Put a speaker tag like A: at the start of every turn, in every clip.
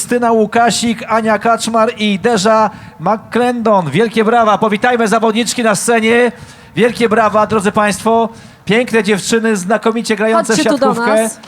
A: Krystyna Łukasik, Ania Kaczmar i Derza McClendon. Wielkie brawa, powitajmy zawodniczki na scenie. Wielkie brawa, drodzy Państwo. Piękne dziewczyny, znakomicie grające w
B: Chodźcie tu do
A: siatkówkę.
B: nas.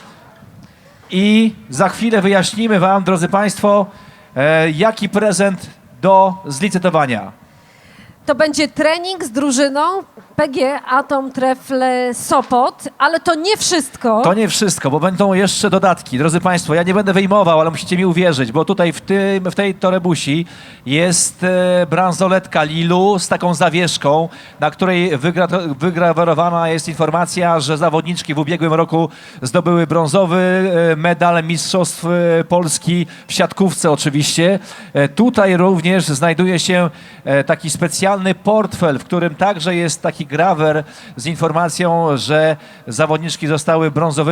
A: I za chwilę wyjaśnimy Wam, drodzy Państwo, jaki prezent do zlicytowania.
B: To będzie trening z drużyną PG Atom Trefle Sopot, ale to nie wszystko.
A: To nie wszystko, bo będą jeszcze dodatki. Drodzy Państwo, ja nie będę wyjmował, ale musicie mi uwierzyć, bo tutaj w tej torebusi jest bransoletka Lilu z taką zawieszką, na której wygrawerowana jest informacja, że zawodniczki w ubiegłym roku zdobyły brązowy medal Mistrzostw Polski w siatkówce oczywiście. Tutaj również znajduje się taki specjalny portfel, w którym także jest taki grawer z informacją, że zawodniczki zostały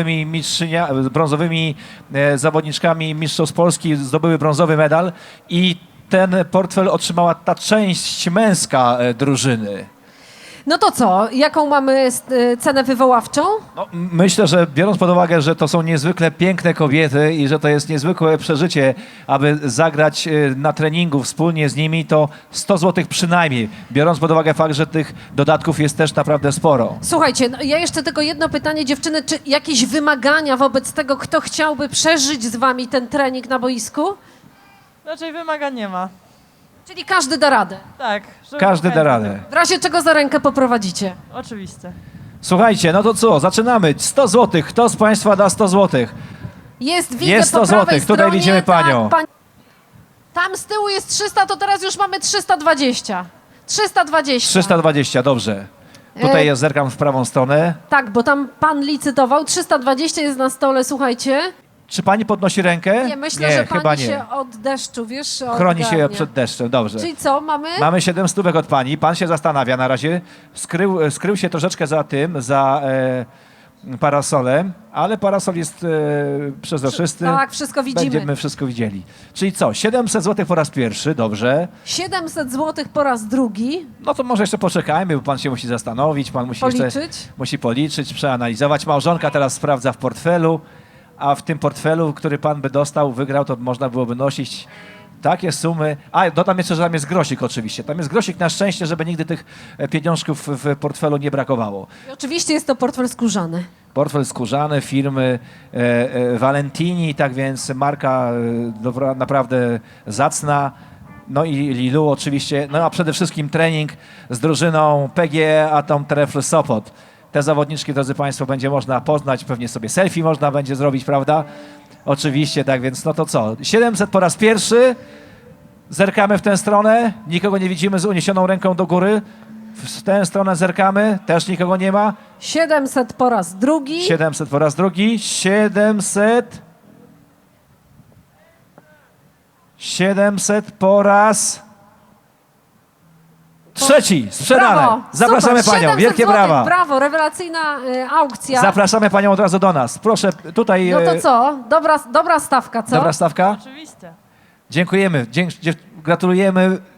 A: brązowymi zawodniczkami Mistrzostw Polski, zdobyły brązowy medal i ten portfel otrzymała ta część męska drużyny.
B: No to co? Jaką mamy cenę wywoławczą?
A: No, myślę, że biorąc pod uwagę, że to są niezwykle piękne kobiety i że to jest niezwykłe przeżycie, aby zagrać na treningu wspólnie z nimi, to 100 zł przynajmniej, biorąc pod uwagę fakt, że tych dodatków jest też naprawdę sporo.
B: Słuchajcie, no ja jeszcze tylko jedno pytanie, dziewczyny, czy jakieś wymagania wobec tego, kto chciałby przeżyć z wami ten trening na boisku?
C: Raczej wymagań nie ma.
B: Czyli każdy da radę.
C: Tak. żeby
A: Każdy da
C: chętny
A: radę.
B: W razie czego za rękę poprowadzicie.
C: był. Oczywiście.
A: Słuchajcie, no to co, zaczynamy. 100 zł. Kto z Państwa da 100 zł?
B: Widzę
A: Jest 100
B: po prawej
A: złotych. Tutaj
B: stronie,
A: widzimy panią.
B: Tak, tam z tyłu jest 300, to teraz już mamy 320. 320.
A: 320, dobrze. Tutaj ja zerkam w prawą stronę.
B: Tak, bo tam pan licytował. 320 jest na stole, słuchajcie.
A: Czy pani podnosi rękę?
B: Nie, myślę, że
A: chyba
B: pani
A: nie.
B: się od deszczu, wiesz,
A: Chroni się
B: odgarnia.
A: przed deszczem, dobrze.
B: Czyli co, mamy?
A: Mamy 7 stówek od pani. Pan się zastanawia na razie. Skrył się troszeczkę za tym, za parasolem, ale parasol jest przezroczysty.
B: Tak, wszystko widzimy.
A: Będziemy wszystko widzieli. Czyli co, 700 zł po raz pierwszy, dobrze.
B: 700 zł po raz drugi.
A: No to może jeszcze poczekajmy, bo pan się musi zastanowić, pan musi jeszcze
B: Policzyć.
A: musi policzyć, przeanalizować. Małżonka teraz sprawdza w portfelu, a w tym portfelu, który pan by dostał, wygrał, to można byłoby nosić takie sumy. A, dodam jeszcze, że tam jest grosik oczywiście. Tam jest grosik na szczęście, żeby nigdy tych pieniążków w portfelu nie brakowało.
B: I oczywiście jest to portfel skórzany.
A: Portfel skórzany firmy Valentini, tak więc marka naprawdę zacna. No i Lilu oczywiście, no a przede wszystkim trening z drużyną PG Atom Trefle Sopot. Te zawodniczki, drodzy Państwo, będzie można poznać, pewnie sobie selfie można będzie zrobić, prawda? Oczywiście, tak więc no to co? 700 po raz pierwszy, zerkamy w tę stronę, nikogo nie widzimy z uniesioną ręką do góry. W tę stronę zerkamy, też nikogo nie ma.
B: 700 po raz drugi.
A: 700 po raz drugi, 700 po raz trzeci, sprzedane.
B: Brawo,
A: Zapraszamy
B: super.
A: panią,
B: 700
A: wielkie
B: złotych,
A: brawa.
B: Brawo, rewelacyjna aukcja.
A: Zapraszamy panią od razu do nas. Proszę, tutaj
B: No to co? Dobra stawka, co?
A: dobra stawka.
C: Oczywiście.
A: Dziękujemy, gratulujemy.